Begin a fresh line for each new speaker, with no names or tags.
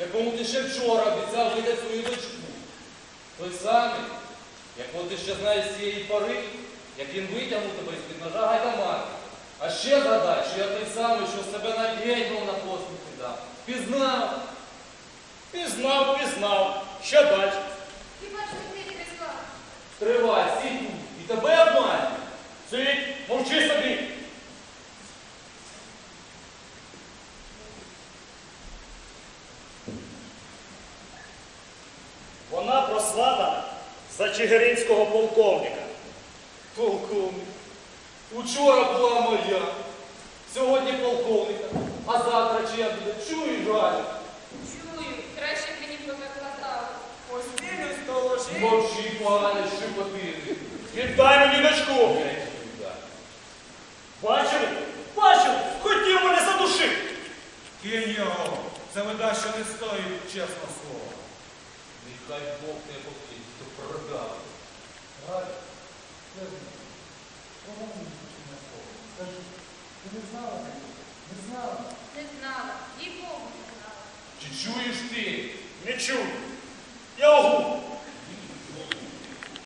якому ти ще вчора обіцяв видати свою дочку. Той самий, якого ти ще знаєш з цієї пори, як він витягнув тебе з-під ножа гайдамаки. А ще згадай, що я той самий, що себе навіть гетьман на посміх не дав. Пізнав?
Пізнав. Що далі?
Хіба ж ти не сказав?
Тривай, сідь тут, і тебе обманюють.
Сидь, мовчи собі. Вона прославлена за чигиринського полковника.
Полковник. Учора була моя, сьогодні полковника, а завтра чия буде? Чуєш, Галю?
Чую, краще б мені повикладали.
Постілю столожи.
Мовчи, пане, шипотини.
Віддай мені дочку. Бачили? Хотів мене задушити.
Кинь його. Це вида, що не стоїть, чесне слово.
Нехай Бог тебе покинь, хто продав. Галя, я знаю. Помогу мені на слово. Скажи, ти не знала мене? Не знала?
Не знала, їй Богу не знала.
Чи чуєш ти?
Не чую. Я огу.